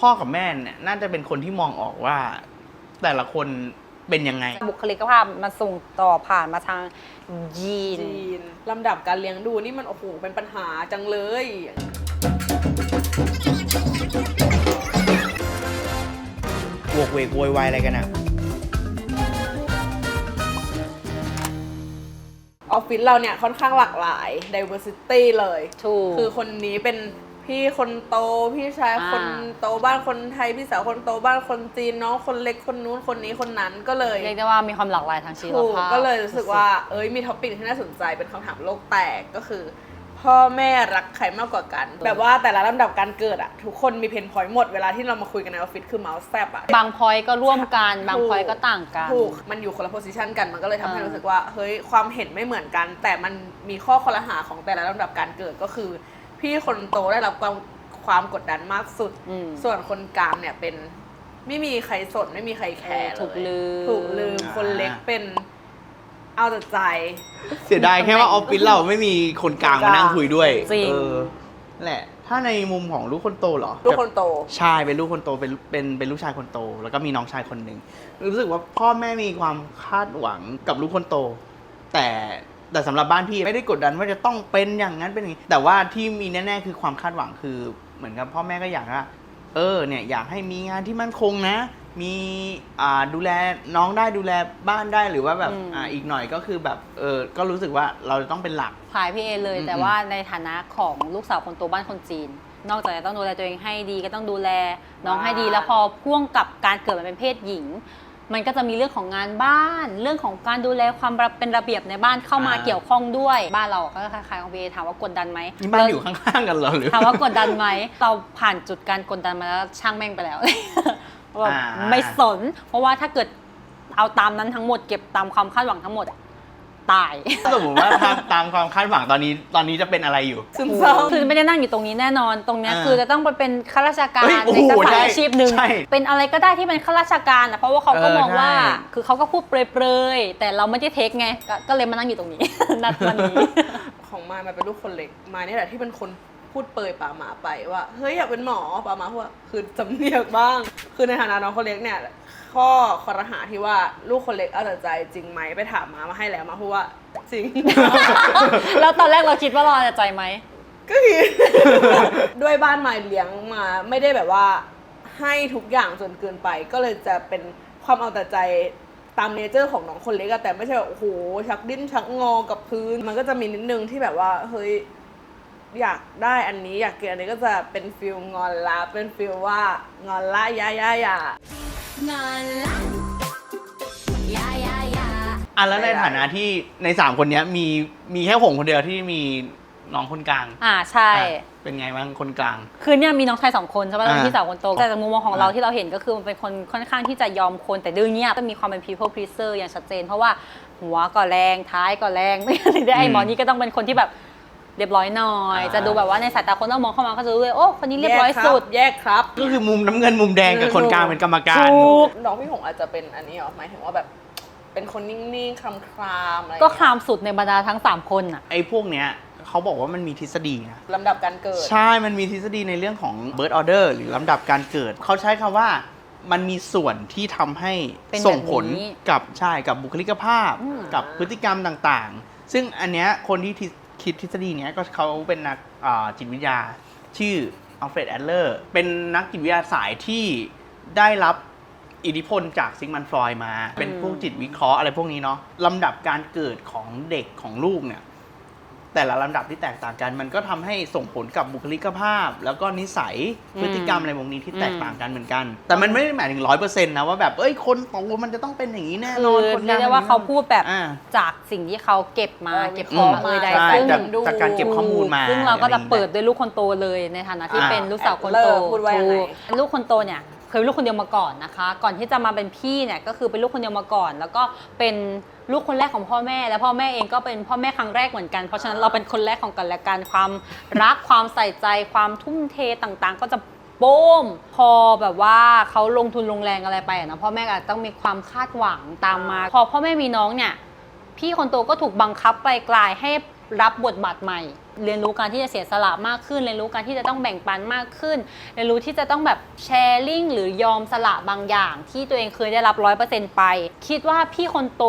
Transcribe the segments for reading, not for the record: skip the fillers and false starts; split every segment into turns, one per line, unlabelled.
พ่อกับแม่เนี่ยน่าจะเป็นคนที่มองออกว่า แต่ละคนเป็นยังไง
บุคลิกภาพมันส่งต่อผ่านมาทางยีน
ลำดับการเลี้ยงดูนี่มันโอ้โหเป็นปัญหาจังเลย
โวกเวกโวยวายอะไรกันอะ
ออฟฟิศเราเนี่ยค่อนข้างหลากหลาย diversity เลยคือคนนี้เป็นพี่คนโตพี่ชายคนโตบ้านคนไทยพี่สาวคนโตบ้านคนจีนน้องคนเล็กคนนู้นคนนี้คนนั้นก็เลย
เรียกได้ว่ามีความหลากหลายทางชีวภาพ
ก็เลยรู้สึกว่ามีท็อปิกที่น่าสนใจเป็นคำถามโลกแตกก็คือพ่อแม่รักใครมากกว่ากันแบบว่าแต่ละลำดับการเกิดอะทุกคนมีเพนพอยต์หมดเวลาที่เรามาคุยกันในออฟฟิศคือเมาส์แซบอะ
บางพอยต์ก็ร่วมกันบางพอยต์ก็ต่างกัน
ถูกมันอยู่คนละโพสิชันกันมันก็เลยทำให้รู้สึกว่าเฮ้ยความเห็นไม่เหมือนกันแต่มันมีข้อคอรหาของแต่ละลำดับการเกิดก็คือพี่คนโตได้รับความกดดันมากสุดส่วนคนกลางเนี่ยเป็นไม่มีใครสนไม่มีใครแคร์เลยถูกลืมคนเล็กเป็นเอาแต่ใจ
เสียดายแค่ว่าออฟฟิศเราไม่มีคนกลางมานั่งคุยด้วย
จริง
แหละถ้าในมุมของลูกคนโตเหรอ
ลูกคนโต
ใช่เป็นลูกคนโตเป็นลูกชายคนโตแล้วก็มีน้องชายคนหนึ่งรู้สึกว่าพ่อแม่มีความคาดหวังกับลูกคนโตแต่สำหรับบ้านพี่ไม่ได้กดดันว่าจะต้องเป็นอย่างนั้นเป็นอย่างนี้แต่ว่าที่มีแน่ๆคือความคาดหวังคือเหมือนกับพ่อแม่ก็อยากว่าเนี่ยอยากให้มีงานที่มั่นคงนะมีดูแลน้องได้ดูแลบ้านได้หรือว่าแบบอีกหน่อยก็คือแบบก็รู้สึกว่าเราจะต้องเป็นหลัก
ขายพี่เอเลยแต่ว่าในฐานะของลูกสาวคนโตบ้านคนจีนนอกจากจะต้องดูแลตัวเองให้ดีก็ต้องดูแลน้องให้ดีแล้วพอพ่วงกับการเกิดมาเป็นเพศหญิงมันก็จะมีเรื่องของงานบ้านเรื่องของการดูแลความเป็นระเบียบในบ้านเข้ามาเกี่ยวข้องด้วยบ้านเราก็คล้ายๆของพี่เอถามว่ากดดันไหม
นี่บ้านอยู่ข้างๆกันเหรอหรือ
ถามว่ากดดันไหมเราผ่านจุดการกดดันมาแล้วช่างแม่งไปแล้วไม่สนเพราะว่าถ้าเกิดเอาตามนั้นทั้งหมดเก็บตามความคาดหวังทั้งหมดตาย
สมมติว่าตามความคาดหวังตอนนี้จะเป็นอะไรอยู่
ซึมเศร้า
คือไม่ได้นั่งอยู่ตรงนี้แน่นอนตรงนี้คือจะต้องไปเป็นข้าราชการในสายอาชีพหนึ่งเป็นอะไรก็ได้ที่เป็นข้าราชการนะเพราะว่าเขาก็มองว่าคือเขาก็พูดเปรยๆแต่เราไม่ได้เทคไงก็เลยมานั่งอยู่ตรงนี้นัดวันนี้
ของมายเป็นลูกคนเล็กมายนี่แหละที่เป็นคนพูดเปรยป่าหมาไปว่าเฮ้ยอยากเป็นหมอป่าหมาพูดคือจำเนียกบ้างคือในฐานะน้องคนเล็กเนี่ยข้อคอรหาที่ว่าลูกคนเล็กเอาแต่ใจจริงไหมไปถามมาให้แล้วมาพูดว่าจริง
แล้วตอนแรกเราคิดว่าเราเอาแต่ใจไหม
ก็คือ ด้วยบ้านมายเลี้ยงมาไม่ได้แบบว่าให้ทุกอย่างจนเกินไปก็เลยจะเป็นความเอาแต่ใจตามเนเจอร์ของน้องคนเล็กแต่ไม่ใช่แบบโอ้โหชักดิ้นชักงอกับพื้นมันก็จะมีนิดนึงที่แบบว่าเฮ้ยอยากได้อันนี้อยากกินอันนี้ก็จะเป็นฟิลงอนละเป็นฟิลว่างอนละยางอนละ
แล้วในฐานะที่ใน3คนนี้มีแค่หงคนเดียวที่มีน้องคนกลาง
ใช่
เป็นไงบ้างคนกลาง
คือเนี่ยมีน้องชาย2คนใช่ป่ะแล้วพี่สาวคนโตแต่จากมุมมองของเราที่เราเห็นก็คือมันเป็นคนค่อนข้างที่จะยอมคนแต่ดื้อเงียบก็มีความเป็น people pleaser อย่างชัดเจนเพราะว่าหัวก็แรงท้ายก็แรงไม่ได้ไอ้หมอนี่ก็ต้องเป็นคนที่แบบเรียบร้อยหน่อยจะดูแบบว่าในสายตาคนต้องมองเข้ามาก็จะรู้เลยโอ้คนนี้เรียบร้อยสุด
แยกครับ
ก็คือมุมน้ำเงินมุมแดงกับคนกลางเป็นกรรมการ
น้องพี่หงอาจจะเป็นอันนี้หรอหมายถึงว่าแบบเป็นคนนิ่งๆคลามอะไร
ก็คลามสุดในบรรดาทั้ง3คนอ่ะ
ไอ้พวกเนี้ยเขาบอกว่ามันมีทฤษฎีนะ
ลำดับการเกิด
ใช่มันมีทฤษฎีในเรื่องของ birth order หรือลำดับการเกิดเขาใช้คำว่ามันมีส่วนที่ทำให้ส่งผลกับบุคลิกภาพกับพฤติกรรมต่างๆซึ่งอันเนี้ยคนที่คิดทฤษฎีเนี้ยก็เขาเป็นนักจิตวิทยาชื่ออัลเฟรดแอดเลอร์เป็นนักจิตวิทยาสายที่ได้รับอิทธิพลจากซิกมันฟรอยด์มาเป็นพวกจิตวิเคราะห์อะไรพวกนี้เนาะลำดับการเกิดของเด็กของลูกเนี่ยแต่ละลำดับที่แตกต่างกันมันก็ทำให้ส่งผลกับบุคลิกภาพแล้วก็นิสัยพฤติกรรมอะไรพวกนี้ที่แตกต่างกันเหมือนกันแต่มันไม่ได้หมายถึง 100% นะว่าแบบคนโตมันจะต้องเป็นอย่างนี้แน่นอน
คนเรียกได้ว่าเขาพูดแบบจากสิ่งที่เขาเก็บข้อมูลใด
ซึ่งจากการเก็บข้อมูลมา
ซึ่งเราก็จะเปิดด้วยลูกคนโตเลยในฐานะที่เป็นลูกสาวคนโตลูกคนโตเนี่ยเคยเป็นลูกคนเดียวมาก่อนนะคะก่อนที่จะมาเป็นพี่เนี่ยก็คือเป็นลูกคนเดียวมาก่อนแล้วก็เป็นลูกคนแรกของพ่อแม่และพ่อแม่เองก็เป็นพ่อแม่ครั้งแรกเหมือนกันเพราะฉะนั้นเราเป็นคนแรกของกันและกันความรักความใส่ใจความทุ่มเทต่างๆก็จะโป้มพอแบบว่าเขาลงทุนลงแรงอะไรไปนะพ่อแม่อาจต้องมีความคาดหวังตามมาพอพ่อแม่มีน้องเนี่ยพี่คนโตก็ถูกบังคับไปกลายให้รับบทบาทใหม่ เรียนรู้การที่จะเสียสละมากขึ้นเรียนรู้การที่จะต้องแบ่งปันมากขึ้นเรียนรู้ที่จะต้องแบบแชร์ลิงหรือยอมสละบางอย่างที่ตัวเองเคยได้รับ 100% ไปคิดว่าพี่คนโต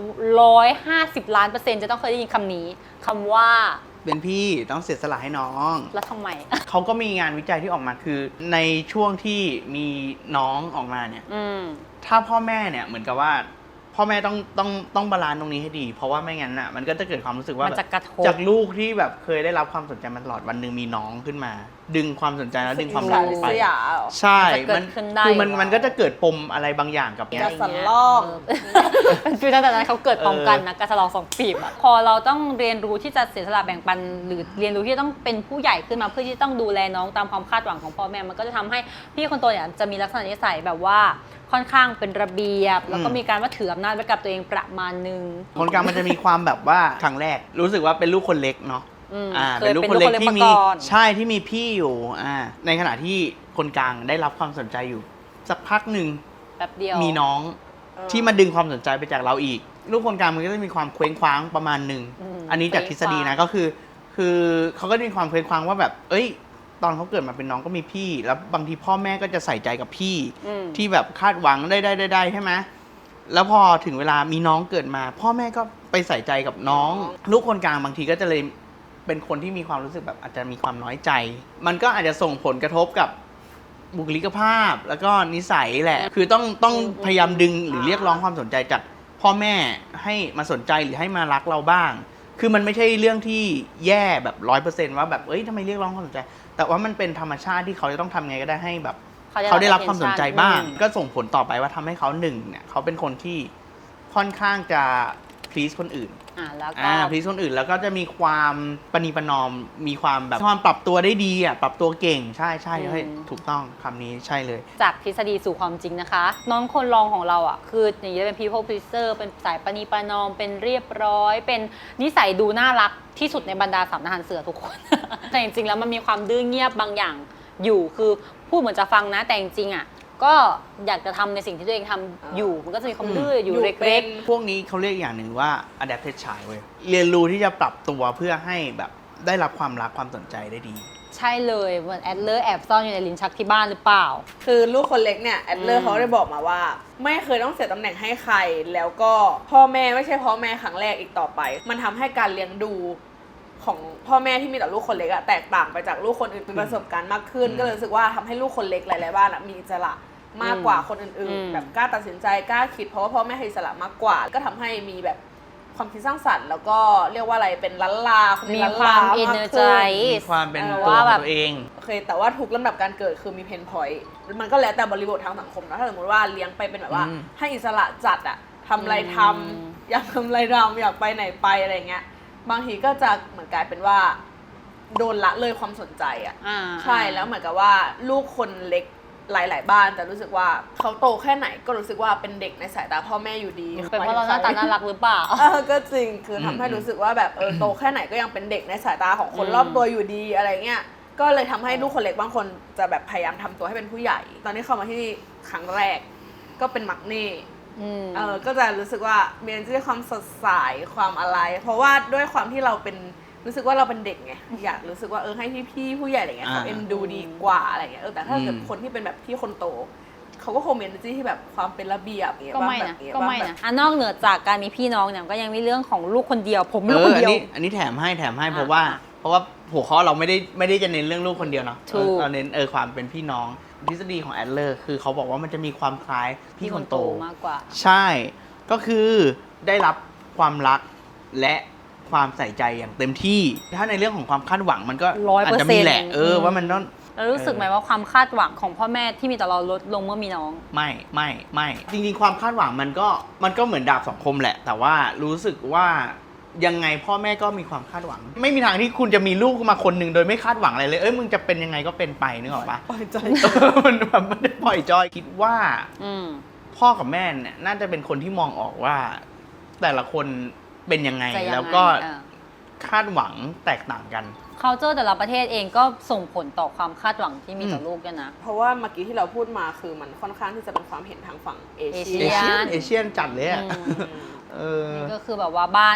150 ล้าน%จะต้องเคยได้ยินคำนี้คำว่า
เป็นพี่ต้องเสียสละให้น้อง
แล้วทำไม
เขาก็มีงานวิจัยที่ออกมาคือในช่วงที่มีน้องออกมาเนี่ยถ้าพ่อแม่เนี่ยเหมือนกับว่าพ่อแม่ต้องบาลานซ์ตรงนี้ให้ดีเพราะว่าไม่งั้นอ่ะมันก็จะเกิดความรู้สึกว่าแบบจากลูกที่แบบเคยได้รับความสนใจมาตลอดวันหนึ่งมีน้องขึ้นมา ดึงความสนใจแล้วดึงความรักไปใช่คือมันก็จะเกิดปมอะไรบางอย่างกับ
กระสลอก
เป็นฟีลตั้งแต่นั้นเขาเกิดพร้อมกันนะกระสลอก2 ปีบอะพอเราต้องเรียนรู้ที่จะเสียสละแบ่งปันหรือเรียนรู้ที่ต้องเป็นผู้ใหญ่ขึ้นมาเพื่อที่ต้องดูแลน้องตามความคาดหวังของพ่อแม่มันก็จะทำให้พี่คนโตเนี่ยจะมีลักษณะนิสัยแบบว่าค่อนข้างเป็นระเบียบแล้วก็มีการว่าถืออำนาจไว้กับตัวเองประมาณนึง
คนกลางมันจะมีความแบบว่าครั้งแรกรู้สึกว่าเป็นลูกคนเล็กเนาะเป็นลูกคนเล็กที่มีใช่ที่มีพี่อยู่ในขณะที่คนกลางได้รับความสนใจอยู่สักพักหนึ่ง
แป๊บเดียว
มีน้องที่มาดึงความสนใจไปจากเราอีกลูกคนกลางมันก็จะมีความเคว้งคว้างประมาณหนึ่งอันนี้จากทฤษฎีนะก็คือเขาก็มีความเคว้งคว้างว่าแบบเอ้ยตอนเขาเกิดมาเป็นน้องก็มีพี่แล้วบางทีพ่อแม่ก็จะใส่ใจกับพี่ที่แบบคาดหวังได้ใช่ไหมแล้วพอถึงเวลามีน้องเกิดมาพ่อแม่ก็ไปใส่ใจกับน้องลูกคนกลางบางทีก็จะเลยเป็นคนที่มีความรู้สึกแบบอาจจะมีความน้อยใจมันก็อาจจะส่งผลกระทบกับบุคลิกภาพแล้วก็นิสัยแหละคือต้องพยายามดึงหรือเรียกร้องความสนใจจากพ่อแม่ให้มาสนใจหรือให้มารักเราบ้างคือมันไม่ใช่เรื่องที่แย่แบบ 100% ว่าแบบเอ้ยทำไมเรียกร้องความสนใจแต่ว่ามันเป็นธรรมชาติที่เขาจะต้องทำไงก็ได้ให้แบบเขาได้รับความสนใจบ้างก็ส่งผลต่อไปว่าทำให้เขาหนึ่งเนี่ยเขาเป็นคนที่ค่อนข้างจะ please คนอื่น
แล้วก็
please คนอื่นแล้วก็จะมีความประนีประนอมมีความแบบความปรับตัวได้ดีปรับตัวเก่งใช่ถูกต้องคำนี้ใช่เลย
จากทฤษฎีสู่ความจริงนะคะน้องคนรองของเราคืออย่างนี้เป็น people pleaser เป็นสายประนีประนอมเป็นเรียบร้อยเป็นนิสัยดูน่ารักที่สุดในบรรดาสามทหารเสือทุกคน แต่จริงๆแล้วมันมีความดื้อเงียบบางอย่างอยู่คือพูดเหมือนจะฟังนะแต่จริงๆก็อยากจะทำในสิ่งที่ตัวเองทำอยู่มันก็จะมีความดื้ออยู่เล็ก
ๆพวกนี้เขาเรียกอย่างหนึ่งว่า adapted child เว้ยเรียนรู้ที่จะปรับตัวเพื่อให้แบบได้รับความรักความสนใจได้ดี
ใช่เลยเหมือนแอดเลอร์แอบซ่อนอยู่ในลิ้นชักที่บ้านหรือเปล่า
คือลูกคนเล็กเนี่ยแอดเลอร์เขาได้บอกมาว่าไม่เคยต้องเสียตำแหน่งให้ใครแล้วก็พ่อแม่ไม่ใช่พ่อแม่ครั้งแรกอีกต่อไปมันทำให้การเลี้ยงดูของพ่อแม่ที่มีต่อลูกคนเล็กแตกต่างไปจากลูกคนอื่นมีประสบการณ์มากขึ้นก็เลยรู้สึกว่าทำให้ลูกคนเล็กหลายๆบ้านมีอิสระมากกว่าคนอื่นๆแบบกล้าตัดสินใจกล้าคิดเพราะว่าพ่อแม่ให้อิสระมากกว่าก็ทำให้มีแบบความคิดสร้างสรรค์แล้วก็เรียกว่าอะไรเป็นล้านลา
มีความเอเนอร์ใจ
มีความเป็นตัวตัวเอง
โอเคแต่ว่าทุกลำดับการเกิดคือมีเพนพอยต์มันก็แล้วแต่บริบททางสังคมนะถ้าสมมติว่าเลี้ยงไปเป็นแบบว่าให้อิสระจัดทำอะไรทำอยากทำอะไรทำอยากไปไหนไปอะไรเงี้ยบางทีก็จะเหมือนกลายเป็นว่าโดนละเลยความสนใจใช่แล้วเหมือนกับว่าลูกคนเล็กหลายๆบ้านแต่รู้สึกว่าเขาโตแค่ไหนก็รู้สึกว่าเป็นเด็กในสายตาพ่อแม่อยู่ดี
เป็นเพราะเราหน้าตาน่ารักหรือเปล่า
ก็จริงคือทำให้รู้สึกว่าแบบโตแค่ไหนก็ยังเป็นเด็กในสายตาของคนรอบตัวอยู่ดีอะไรเงี้ยก็เลยทำให้ลูกคนเล็กบางคนจะแบบพยายามทำตัวให้เป็นผู้ใหญ่ตอนนี้เข้ามาที่ครั้งแรกก็เป็นมักนี่ก็จะรู้สึกว่ามีความสดใสความอะไรเพราะว่าด้วยความที่เราเป็นรู้สึกว่าเราเป็นเด็กไงอยากรู้สึกว่าให้พี่ผู้ใหญ่อะไรเงี้ยเขาเอ็นดูดีกว่าอะไรเงี้ยแต่ถ้าเกิดคนที่เป็นแบบพี่คนโตเขาก็คงมี energy ที่แบบความเป็นระเบียบเงี้ย
ก็ไม่นะนอกเหนือจากการมีพี่น้องเนี่ยก็ยังมีเรื่องของลูกคนเดียวผมลูกคนเดียว
อันนี้แถมให้เพราะว่าหัวข้อเราไม่ได้จะเน้นเรื่องลูกคนเดียวเนาะเราเน้นความเป็นพี่น้องทฤษฎีของแอดเลอร์คือเขาบอกว่ามันจะมีความคล้ายพี่คนโต
มากกว่า
ใช่ก็คือได้รับความรักและความใส่ใจอย่างเต็มที่ถ้าในเรื่องของความคาดหวังมันก็อาจจะมีแหละว่ามันต้อง
เรารู้สึกไหมว่าความคาดหวังของพ่อแม่ที่มีต่อเราลดลงเมื่อมีน้อง
ไม่จริงๆความคาดหวังมันก็เหมือนดาบสองคมแหละแต่ว่ารู้สึกว่ายังไงพ่อแม่ก็มีความคาดหวังไม่มีทางที่คุณจะมีลูกมาคนหนึ่งโดยไม่คาดหวังอะไรเลยมึงจะเป็นยังไงก็เป็นไปนึกออกปะ
ปล่อยใจ
มันแบบไม่ได้ปล่อยจอยคิดว่าพ่อกับแม่เนี่ยน่าจะเป็นคนที่มองออกว่าแต่ละคนเป็นยังไงแล้วก็คาดหวังแตกต่างกัน
culture แต่ละประเทศเองก็ส่งผลต่อความคาดหวังที่มีต่อลูกกันนะ
เพราะว่าเมื่อกี้ที่เราพูดมาคือมันค่อนข้างที่จะเป็นความเห็นทางฝั่งเอเชีย
นจัดเลย
นี่ก็คือแบบว่าบ้าน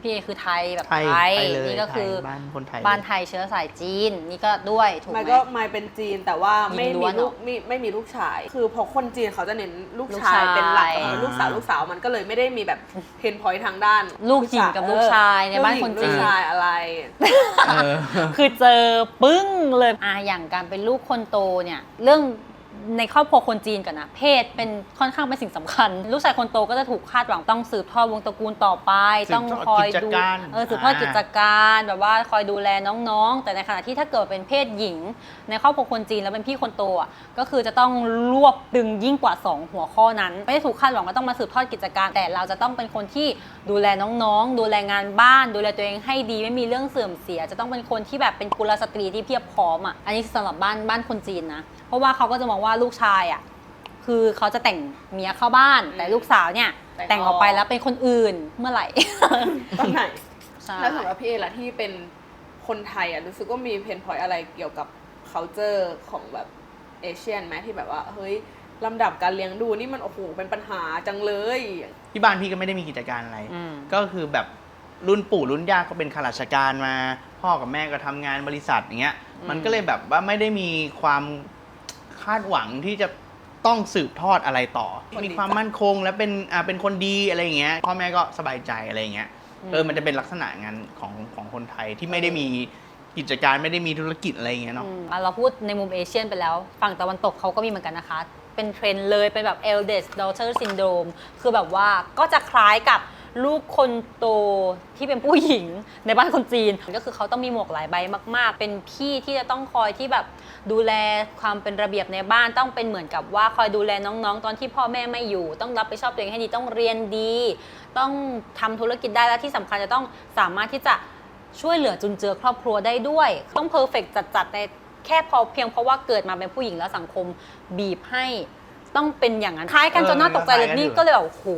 พี่เอคือไทยแบบ
ไทย
ไทย
เลย
นี่ก็คือ
ไทยบ้านคนไทย
บ้านไทยเชื้อสายจีนนี่ก็ด้วยถูกไหม
ไม่ก็ไม่เป็นจีนแต่ว่าไม่
หญิงล้
มี
วน
ลูก
เหรอ
ไม่มีลูกชาย คือพอคนจีนเขาจะเน้นลูก
ลูก
ชาย
ชาย
เป็นหลักแต่พอเป็นลูกสาวมันก็เลยไม่ได้มีแบบเพนพอยต์ทางด้าน
ลูกหญิงกับลูกชายในบ้านคนจีน
ลูกชายอะไร
เออ
คือเจอปึ้งเลยอย่างการเป็นลูกคนโตเนี่ยเรื่องในครอบครัวคนจีนกันนะเพศเป็นค่อนข้างเป็นสิ่งสำคัญ ลูกชายคนโตก็จะถูกคาดหวังต้องสืบทอดวงตระกูลต่อไป
สืบทอด
ต้องคอยดู
กิจการ
สืบทอดกิจการแบบว่าคอยดูแลน้องๆ แต่ในขณะที่ถ้าเกิดเป็นเพศหญิง ในครอบครัวคนจีนแล้วเป็นพี่คนโตอ่ะก็คือจะต้องรวบตึงยิ่งกว่า2หัวข้อนั้น ไม่ได้ถูกคาดหวังว่าต้องมาสืบทอดกิจการ แต่เราจะต้องเป็นคนที่ดูแลน้องๆ ดูแลงานบ้าน ดูแลตัวเองให้ดีไม่มีเรื่องเสื่อมเสีย จะต้องเป็นคนที่แบบเป็นกุลสตรีที่เพียบพร้อมอ่ะอันนี้สำหรับบ้านคนจีนนะเพราะว่าเขาก็จะมองว่าลูกชายอ่ะคือเขาจะแต่งเมียเข้าบ้าน แต่ลูกสาวเนี่ยแต่งออกไปแล้วเป็นคนอื่นเมื่อไหร่
ตอนไหน
ใช่
แล้วสำหรับพี่เอล่ะที่เป็นคนไทยอ่ะรู้สึกว่ามีเพนพอยต์อะไรเกี่ยวกับ culture ของแบบเอเชียนไหมที่แบบว่าเฮ้ยลำดับการเลี้ยงดูนี่มันโอ้โหเป็นปัญหาจังเลย
ที่บ้านพี่ก็ไม่ได้มีกิจการอะไร
อืม
ก็คือแบบรุ่นปู่รุ่นย่าก็เป็นข้าราชการมา พ่อกับแม่ก็ทำงานบริษัทอย่างเงี้ย มันก็เลยแบบว่าไม่ได้มีความคาดหวังที่จะต้องสืบทอดอะไรต่อ มีความมั่นคงและเป็นคนดีอะไรอย่างเงี้ย พ่อแม่ก็สบายใจอะไรอย่างเงี้ย มันจะเป็นลักษณะงานของคนไทยที่ไม่ได้มีกิจการไม่ได้มีธุรกิจอะไรอย่างเงี้ยเนาะ
เราพูดในมุมเอเชียนไปแล้วฝั่งตะวันตกเขาก็มีเหมือนกันนะคะ เป็นเทรนด์เลยเป็นแบบ eldest daughter syndrome คือแบบว่าก็จะคล้ายกับลูกคนโตที่เป็นผู้หญิงในบ้านคนจีนก็คือเขาต้องมีหมวกหลายใบมากๆ เป็นพี่ที่จะต้องคอยที่แบบดูแลความเป็นระเบียบในบ้านต้องเป็นเหมือนกับว่าคอยดูแลน้องๆ ตอนที่พ่อแม่ไม่อยู่ ต้องรับผิดชอบตัวเองให้ดีต้องเรียนดี ต้องทำธุรกิจได้และที่สำคัญจะต้องสามารถที่จะช่วยเหลือจุนเจือครอบครัวได้ด้วยต้องเพอร์เฟกต์จัดๆในแค่พอเพียงเพราะว่าเกิดมาเป็นผู้หญิงแล้วสังคมบีบให้ต้องเป็นอย่างนั้นคล้ายกันจนน่าตกใจเลยนี่ก็เลยแบบโห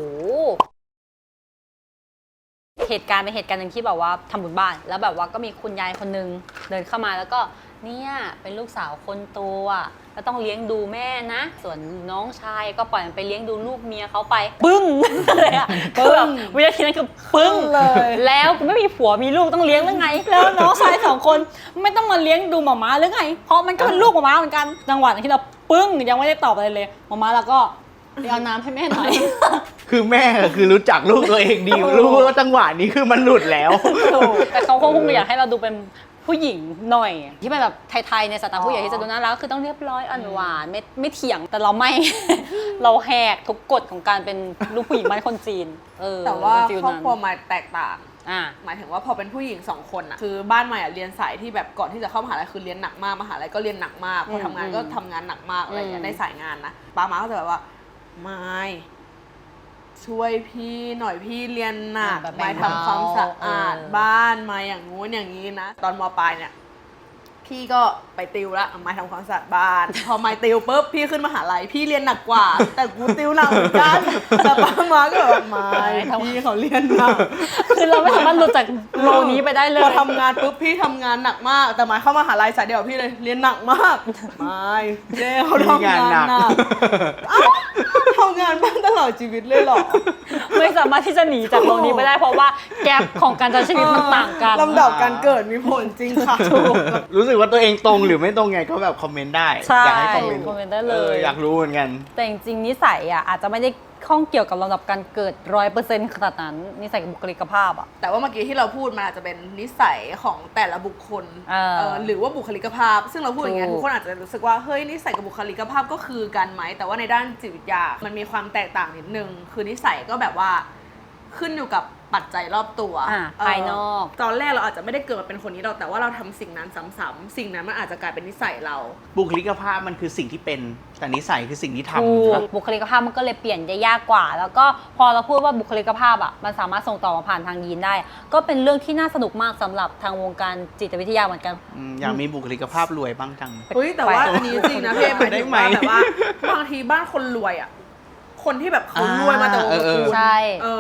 เหตุการณ์เป็นเหตุการณ์หนึ่งที่แบบว่าทำบุญบ้านแล้วแบบว่าก็มีคุณยายคนนึงเดินเข้ามาแล้วก็เนี่ยเป็นลูกสาวคนโตอ่ะก็ต้องเลี้ยงดูแม่นะส่วนน้องชายก็ปล่อยมันไปเลี้ยงดูลูกเมียเขาไปปึ้งเลยอ่ะคือแบบวินาทีนั้นคือปึ้งเลยแล้วกูไม่มีผัวมีลูกต้องเลี้ยงหรือไงแล้วน้องชาย2 คนไม่ต้องมาเลี้ยงดูหม่าม้าหรือไงเพราะมันก็เป็นลูกหม่าม้าเหมือนกันจังหวะที่เราปึ้งยังไม่ได้ตอบอะไรเลยหม่าม้าเราก็ไปเอาน้ำให้แม่หน่อย
คือแม่คือรู้จักลูกตัวเองดีรู้ว่าจังหวะนี้คือมันหลุดแล้ว
แต่เขาคงอยากให้เราดูเป็นผู้หญิงหน่อย ที่เป็นแบบไทยๆในสไตล์ผู้ใหญ่ที่จะดูน่ารักก็คือต้องเรียบร้อยอ่อนหวานไม่เถียงแต่เราไม่ เราแหกทุกกฎของการเป็นลูกผู้หญิงบ้านคนจีน
แต่ว่า
เป็นฟิล
ครอบ
นั้น
ครัวมายแตกต่าง
อ่า
หมายถึงว่าพอเป็นผู้หญิง2 คนอะคือบ้านใหม่อะเรียนสายที่แบบก่อนที่จะเข้ามหาลัยคือเรียนหนักมากมหาลัยก็เรียนหนักมากพอทำงานก็ทำงานหนักมากอะไรอย่างเงี้ยในสายงานนะป้ามาก็จะแบบว่าไม่ช่วยพี่หน่อยพี่เรียนหนัก
แบบแบ่ง
ไม่ทำความสะอาด
เบา
บ้านมาอย่างงู้นอย่างนี้นะตอนมปลายเนี่ยพี่ก็ไปติวแล้วไม่ทำความสะอาดบ้าน พอไม่ติวปุ๊บพี่ขึ้นมหาลัยพี่เรียนหนักกว่า แต่กูติวหนักเหมือนกันแต่ป้ามาก็แบบไม่พี่เขาเรียนหนัก
คือเราไม่สามารถหลุดจากโลนี้ไปได้เลย
พอทำงานปุ๊บพี่ทำงานหนักมาก แต่หมายเข้ามหาลัยสายเดียวกับพี่เลยเรียนหนักมากไม่เจ๊เขาทำงานหนักอ้าวทำงานบ้านตลอดชีวิตเลยเหรอ
ไม่สามารถที่จะหนีจากโลนี้ไปได้เพราะว่าแกปของการใช้ชีวิตมันต่างกัน
ลำดับการเกิดมีผลจริงค่ะ
รู้สึกว่าตัวเองตรงหรือไม่ตรงไงก็แบบคอมเมนต์ได้
ใช่
อยากให้คอมเมนต์
คอมเมนต์ได้เลย
อยากรู้เหมือนกัน
แต่จริงๆนิสัยอ่ะอาจจะไม่ได้ข้องเกี่ยวกับลำดับการเกิด 100% ขนาดนั้นนิสัยกับบุคลิกภาพอ่ะ
แต่ว่าเมื่อกี้ที่เราพูดมันอาจจะเป็นนิสัยของแต่ละบุคคล หรือว่าบุคลิกภาพ ซึ่งเราพูดอย่างเงี้ย
ถูก
ทุกคนอาจจะรู้สึกว่าเฮ้ยนิสัยกับบุคลิกภาพก็คือกันไหมแต่ว่าในด้านจิตวิทยามันมีความแตกต่างนิดนึงคือนิสัยก็แบบว่าขึ้นอยู่กับปัจจัยรอบตัว
ภายนอก
ตอนแรกเราอาจจะไม่ได้เกิดมาเป็นคนนี้หรอกแต่ว่าเราทำสิ่งนั้นซ้ำๆสิ่งนั้นมันอาจจะกลายเป็นนิสัยเรา
บุคลิกภาพมันคือสิ่งที่เป็นแต่นิสัยคือสิ่งที่ท
ถูกบุคลิกภาพมันก็เลยเปลี่ยนได้ยากกว่า แล้วก็พอเราพูดว่าบุคลิกภาพอ่ะมันสามารถส่งต่อมาผ่านทางยีนได้ ก็เป็นเรื่องที่น่าสนุกมากสำหรับทางวงการจิตวิทยาเหมือนกัน
ำอยากมีบุคลิกภาพรวยบ้างจัง
เฮ้ยแต่ว่าอันนี้จริงนะพี่หมายถึงว่า
ได้ไหม
แบบว่าบางทีบ้านคนรวยอ่ะคนที่แบบเขารวยมาแต่วงตระกูล
ใช่
เออ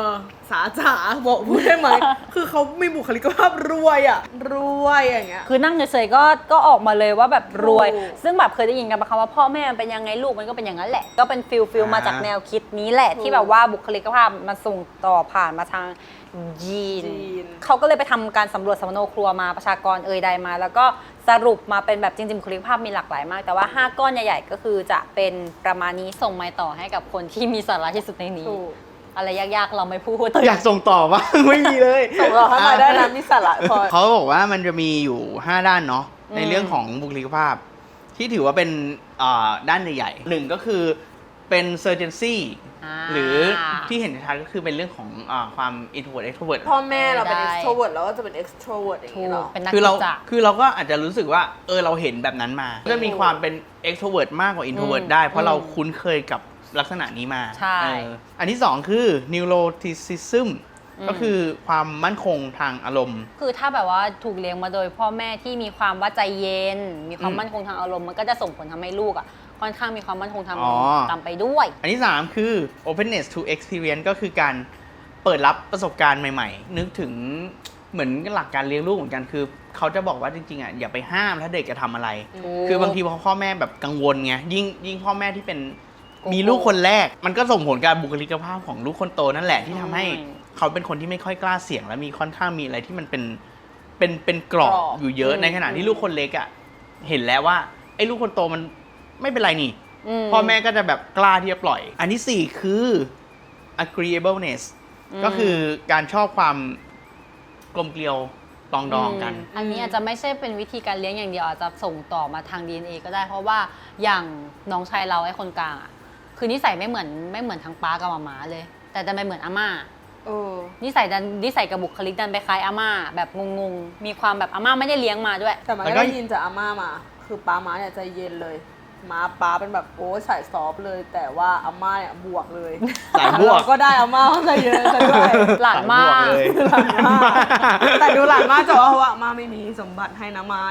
สาจ๋าบอกพูดได้ไหม คือเขามีบุคลิกภาพรวยอ่ะรวยอย่างเงี้ย
คือนั่งเฉยๆก็ออกมาเลยว่าแบบรวย
ถูก
ซึ่งแบบเคยได้ยินกันมาคำว่าพ่อแม่มันเป็นยังไงลูกมันก็เป็นอย่างนั้นแหละ ก็เป็นฟิลมาจากแนวคิดนี้แหละ
ถูก
ที่แบบว่าบุคลิกภาพมันส่งต่อผ่านมาทางยีน
จีน
เขาก็เลยไปทำการสำรวจสัมมโนครัวมาประชากรใดมา แล้วก็สรุปมาเป็นแบบจริงๆบุคลิกภาพมีหลากหลายมาก แต่ว่า 5 ก้อนใหญ่ๆก็คือจะเป็นประมาณนี้ส่งไม้ต่อให้กับคนที่มีสาระที่สุดในนี้
ถูก
อะไรยากๆเราไม่พูด
อยากส่งต่อบ้าง ไม่มีเลย
ส่งเราเข้ามาได้นะมีสาระพอ
เขาบอกว่ามันจะมีอยู่ 5 ด้านเนาะในเรื่องของบุคลิกภาพ ที่ถือว่าเป็นด้านใหญ่ๆหนึ่งก็คือเป็น surgency หรือที่เห็นชัดก็คือเป็นเรื่องของความ introvert extrovert
พ่อแม่เราเป็น
ได้
extrovert แล้วก็จะเป็น extrovert อย่าง
ถู
นี้
ก
เนาะ
เป็นนัก
คือเรา
กิจจะ
คือเราก็อาจจะรู้สึกว่าเราเห็นแบบนั้นมาจะมีความเป็น extrovert มากกว่า introvert ได้ เพราะเราคุ้นเคยกับลักษณะนี้มา
ใช่
อันที่สองคือ neuroticism ก็คือความมั่นคงทางอารมณ์
คือถ้าแบบว่าถูกเลี้ยงมาโดยพ่อแม่ที่มีความว่าใจเย็น มีความ
อืม
มั่นคงทางอารมณ์มันก็จะส่งผลทำให้ลูกอ่ะค่อนข้างมีความมั่นคงทางอา
อ๋
ร
อ
มณ์ตามไปด้วย
อันที่ 3 คือ openness to experience ก็คือการเปิดรับประสบการณ์ใหม่ๆ นึกถึงเหมือนหลักการเลี้ยงลูกเหมือนกันคือ เขาจะบอกว่าจริงๆอ่ะอย่าไปห้ามถ้าเด็กจะทำอะไร คือบางทีพอพ่อแม่แบบกังวลไงยิ่งพ่อแม่ที่เป็น
โกโก้
มีลูกคนแรก มันก็ส่งผลกับบุคลิกภาพของลูกคนโตนั่นแหละที่ทำให้
อืม
เขาเป็นคนที่ไม่ค่อยกล้าเสี่ยง และมีค่อนข้างมีอะไรที่มันเป็นกรอบอยู่เยอะในขณะที่ลูกคนเล็กอ่ะเห็นแล้วว่าไอ้ลูกคนโตมันไม่เป็นไรนี่ พ่อแม่ก็จะแบบกล้าที่จะปล่อย อันที่ 4 คือ agreeableness ก็คือการชอบความกลมเกลียวปรองดองกัน
อันนี้อาจจะไม่ใช่เป็นวิธีการเลี้ยงอย่างเดียวอาจจะส่งต่อมาทาง DNA ก็ได้ เพราะว่าอย่างน้องชายเราไอ้คนกลางอ่ะคือนิสัยไม่เหมือนทั้งป้ากับหม่าเลย แต่ดันไปเหมือนอาม่า นิสัยกับบุคลิกดันไปคล้ายอาม่าแบบงงๆมีความแบบอาม่าไม่ได้เลี้ยงมาด้วย
แต่มัน
แล้ว
ก็
ก็
ได้ยินจากอาม่ามา คือป้าม้าเนี่ยใจเย็นเลยม้าป้าเป็นแบบโอ้ยสายซอฟต์เลย แต่ว่าอาม่าเนี่ยบวกเลย
สายบวก
เราก็ได้อาม่าใจเย็นซะด้วย
หลานมาก
สยบวเลย
หลานมากแต่ดูหลานมากจะว่าเพราะว่าอาม่าไม่มีสมบัติให้นะไม้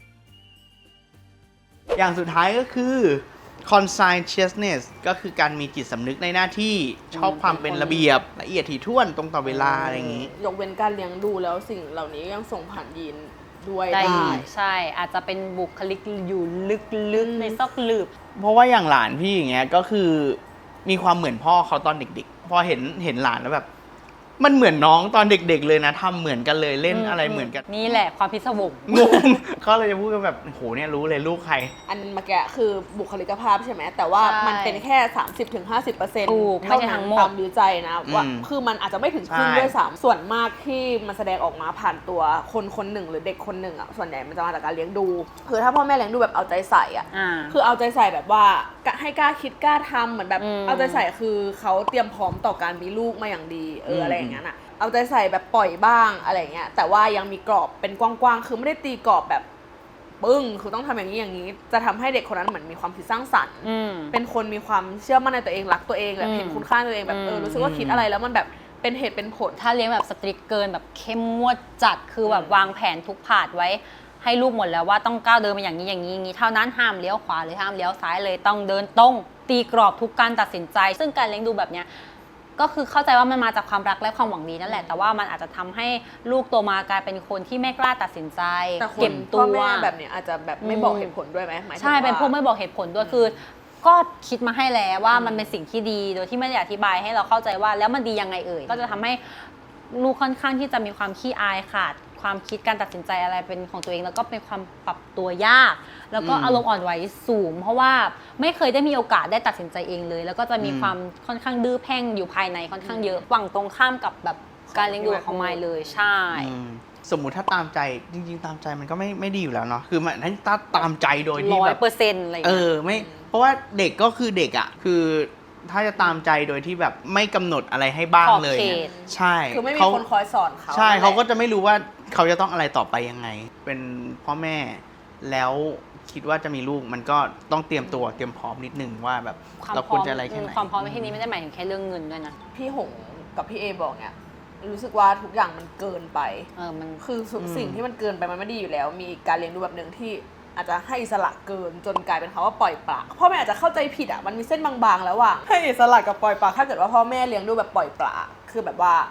อย่างสุดท้ายก็คือ conscientiousness ก็คือการมีจิตสำนึกในหน้าที่ชอบความเป็นระเบียบละเอียดถี่ถ้วนตรงต่อเวลาอะไรอย่างนี้
ยกเว้นการเลี้ยงดูแล้วสิ่งเหล่านี้ยังส่งผ่านยีนด้วย
ได้
ได้
ใช่อาจจะเป็นบุคลิกอยู่ลึกๆในซอกหลืบ
เพราะว่าอย่างหลานพี่อย่างเงี้ยก็คือมีความเหมือนพ่อเขาตอนเด็กๆ พอเห็นหลานแล้วแบบ มันเหมือนน้องตอนเด็กๆเลยนะทำเหมือนกันเลยเล่นอะไรเหมือนกัน
นี่แหละความพิศวง
งงเขาเลยจะพูดกันแบบโหเนี่ยรู้เลยลูกใคร
อันเมื่อกี้คือบุคลิกภาพใช่ไหมแต่ว่า
ใช่
มันเป็นแค่ 30-50%
ถูกไม่ใช่ทั้งหมด
ตามวิจัยนะว่า
อืม
คือมันอาจจะไม่ถึงครึ่ง
ใช่
ด้วยซ้ำส่วนมากที่มันแสดงออกมาผ่านตัวคนคนหนึ่งหรือเด็กคนหนึ่งอ่ะส่วนใหญ่มันจะมาจากการเลี้ยงดู คือถ้าพ่อแม่เลี้ยงดูแบบเอาใจใส่อ่ะ
อ่า
คือเอาใจใส่แบบว่าให้กล้าคิดกล้าทำเหมือนแบบ
อืม
เอาใจใส่คือเขาเตรียมพร้อมต่อการมีลูกมาอย่างดีอะไรอย่างเงี้ยน่ะเอาใจใส่แบบปล่อยบ้างอะไรอย่างเงี้ยแต่ว่ายังมีกรอบเป็นกว้างๆคือไม่ได้ตีกรอบแบบปึ้งคือต้องทำอย่างนี้อย่างนี้ จะทำให้เด็กคนนั้นเหมือนมีความคิดสร้างสรรค์
อืม
เป็นคนมีความเชื่อมั่นในตัวเองรักตัวเองแบบ
อืม
เห็นคุณค่าในตัวเองแบบ
อืม
รู้สึกว่าคิดอะไรแล้วมันแบบเป็นเหตุเป็นผล
ถ้าเลี้ยงแบบสตริกเกินแบบเข้มงวดจัดคือแบบวางแผนทุกผาดไว้ ให้ลูกหมดแล้วว่าต้องก้าวเดินมาอย่างนี้อย่างนี้อย่างนี้เท่านั้นห้ามเลี้ยวขวาหรือห้ามเลี้ยวซ้ายเลยต้องเดินตรงตีกรอบทุกการตัดสินใจ ซึ่งการเลี้ยงดูแบบเนี้ยก็คือเข้าใจว่ามันมาจากความรักและความหวังดีนั่นแหละ แต่ว่ามันอาจจะทำให้ลูกโตมากลายเป็นคนที่ไม่กล้าตัดสินใจ
แต่คน
เก็บตั
พ่อ
ว
แม่แบบเนี้ยอาจจะแบบไม่บอกเหตุผลด้วยไหมหมายถึง
ใช่เป็นพวก
ว่า
ไม่บอกเหตุผลด้วยคือ ก็คิดมาให้แล้วว่ามันเป็นสิ่งที่ดีโดยที่ไม่ได้อธิบายให้เราเข้าใจว่าแล้วมันดียังไงเอ่ยก็จะทำให้ลูกค่อนข้างที่จะมีความขี้อายขาดความคิดการตัดสินใจอะไรเป็นของตัวเอง แล้วก็เป็นความปรับตัวยาก แล้วก็
อืม
อารมณ์อ่อนไหวสูง เพราะว่าไม่เคยได้มีโอกาสได้ตัดสินใจเองเลย แล้วก็จะมี
อืม
ความค่อนข้างดื้อแพ่งอยู่ภายในค่อนข้างเยอะฝั่งตรงข้ามกับแบบการเลี้ยงดูของไมล์เลยใช่
สมมุติถ้าตามใจจริงๆตามใจมันก็ไม่ดีอยู่แล้วเนาะคือมันถ้าตามใจโดยที่แบบ
100%อะไรอย่างเงี้ย
ไม่เพราะว่าเด็กก็คือเด็กอ่ะคือถ้าจะตามใจโดยที่แบบไม่กำหนดอะไรให้บ้างเลย
ขอบเข
เนี่ย
ต
ใช่
คือไม่มี
เขา
คนคอยสอนเขา
ใช่
นั่นแหละ
เขาก็จะไม่รู้ว่าเขาจะต้องอะไรต่อไปยังไง เป็นพ่อแม่แล้วคิดว่าจะมีลูกมันก็ต้องเตรียมตัวเตรียมพร้อมนิดนึงว่าแบบ
ความ
เรา
พ
ค
ร้
ว
อ
ร
ม
จะอะไรแค่ไหน
ความพร้อมในที่นี้ไม่ได้หมายถึงแค่เรื่องเงินด้วยนะ
พี่หงกับพี่เอบอกเนี่ยรู้สึกว่าทุกอย่างมันเกินไป
มัน
คือทุกสิ่งที่มันเกินไปมันไม่ดีอยู่แล้ว มีการเลี้ยงดูแบบหนึ่งที่อาจจะให้อิสระเกินจนกลายเป็นคำว่าปล่อยปละพ่อแม่อาจจะเข้าใจผิดอ่ะมันมีเส้นบางๆแล้วว่างให้อิสระกับปล่อยปละถ้าเกิดว่าพ่อแม่เลี้ยงดูแบบปล่อยปละคือแบบว่า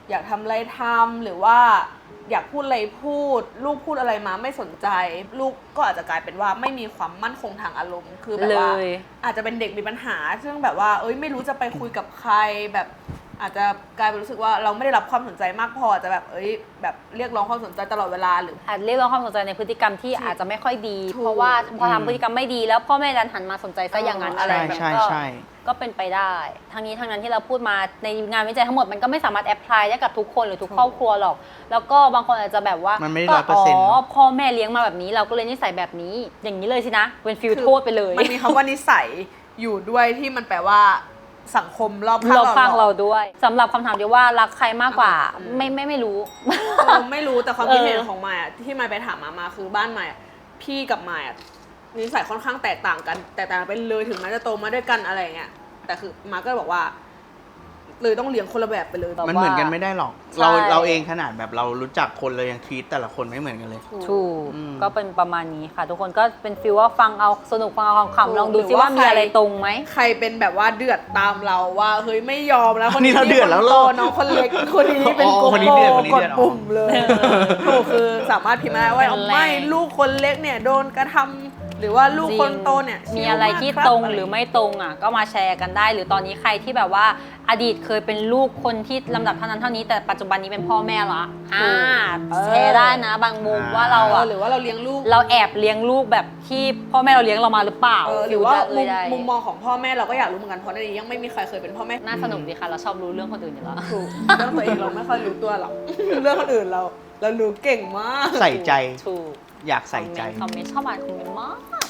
อยากทำอะไรทำหรือว่าอยากพูดอะไรพูด ลูกพูดอะไรมาไม่สนใจ ลูกก็อาจจะกลายเป็นว่าไม่มีความมั่นคงทางอารมณ์คือแบบว่า
เลย
อาจจะเป็นเด็กมีปัญหาซึ่งแบบว่าไม่รู้จะไปคุยกับใครแบบอาจจะกลายเป็นรู้สึกว่าเราไม่ได้รับความสนใจมากพออาจจะแบบแบบเรียกร้องความสนใจตลอดเวลาหรือ
อาจเรียกร้องความสนใจในพฤติกรรมที่อาจจะไม่ค่อยดี
ถูก
เพราะว่าพอทำพฤติกรรมไม่ดีแล้วพ่อแม่ดันหันมาสนใจซะอย่างนั้นอะไร
ใช่
แบบ
ใช่
ก็
ใช่
ก็เป็นไปได้ทั้งนี้ทั้งนั้นที่เราพูดมาในงานวิจัยทั้งหมดมันก็ไม่สามารถแอพพลายได้กับทุกคนหรือทุกครอบครัวหรอก แล้วก็บางคนอาจจะแบบว่า
มันไม่ได้
ก็
100%เนอะ
พ่อแม่เลี้ยงมาแบบนี้เราก็เลยนิสัยแบบนี้ อย่างนี้เลยสินะเป็นฟิลโทษไปเลย
มันมีคำว่านิสัยอยู่ด้วยที่มันแปลว่าสังคมรอบข้าง
เราฟัง
หร
เรา
อ
ด้วยสำหรับคำถามที่ว่ารักใครมากกว่าไม่รู้
ไม่รู้แต่ความคิดเห็นของมายอะที่มายไปถามมาคือบ้านมายอะพี่กับมายอะนิสัยค่อนข้างแตกต่างกันแตกต่างกันไปเลยถึงแม้จะโตมาด้วยกันอะไรเงี้ยแต่คือมาก็เลยบอกว่าเลยต้องเลี้ยงคนละแบบไปเลย
มันเหมือนกันไม่ได้หรอก
ใช่
เราเองขนาดแบบเรารู้จักคนเรายังทีตแต่ละคนไม่เหมือนกันเลย
ถูก
อืม
ก็เป็นประมาณนี้ค่ะ ทุกคนก็เป็นฟีลว่าฟังเอาสนุกฟังเอาขำๆลองดู
หรือ
ซิว่า
ว่า
มีอะไรตรงไหม
ใครเป็นแบบว่าเดือดตามเราว่าเฮ้ยไม่ยอมแล้ว
นี่เราเดือดแล้วเหร
โต
อ
น้องคนเล็กคนนี้เป็น
อ๋อ
โก
คนนี้
โก้
เดือดคนนี้
ก
เดื
ด
อด
ปุ่มเลยถูกคือสามารถพิมพ์มาได้ว่า
เป็นแรง
ไม่ลูกคนเล็กเนี่ยโดนกระทำหรือว่าลูกคนโตเนี่ย
มีอะไรที่ตรงหรือไม่ตรงอ่ะก็มาแชร์กันได้ หรือตอนนี้ใครที่แบบว่าอดีตเคยเป็นลูกคนที่ลำดับเท่านั้นเท่านี้แต่ปัจจุบันนี้เป็นพ่อแม่ละแชร์ได้นะบางมุมว่าเราอ่ะ
หรือว่าเราเลี้ยงลูก
เราแอบเลี้ยงลูกแบบที่พ่อแม่เราเลี้ยงเรามาหรือเปล่า
หรือว่า
เลยได้
มุมมองของพ่อแม่เราก็อยากรู้เหมือนกันเพราะในนี้ยังไม่มีใครเคยเป็นพ่อแม่
น่าสนุกดีค่ะเราชอบรู้เรื่องคนอื่นอยู่แล้ว
ถูกเรื่องตัวเองเราไม่ค่อยรู้ตัวหรอก เรื่องคนอื่นเรารู้เก่งมาก
ใส่ใจ
ถูก
อยากใส่ใจ
คอมเมนต์ชอบอ่านคอมเมนต์มาก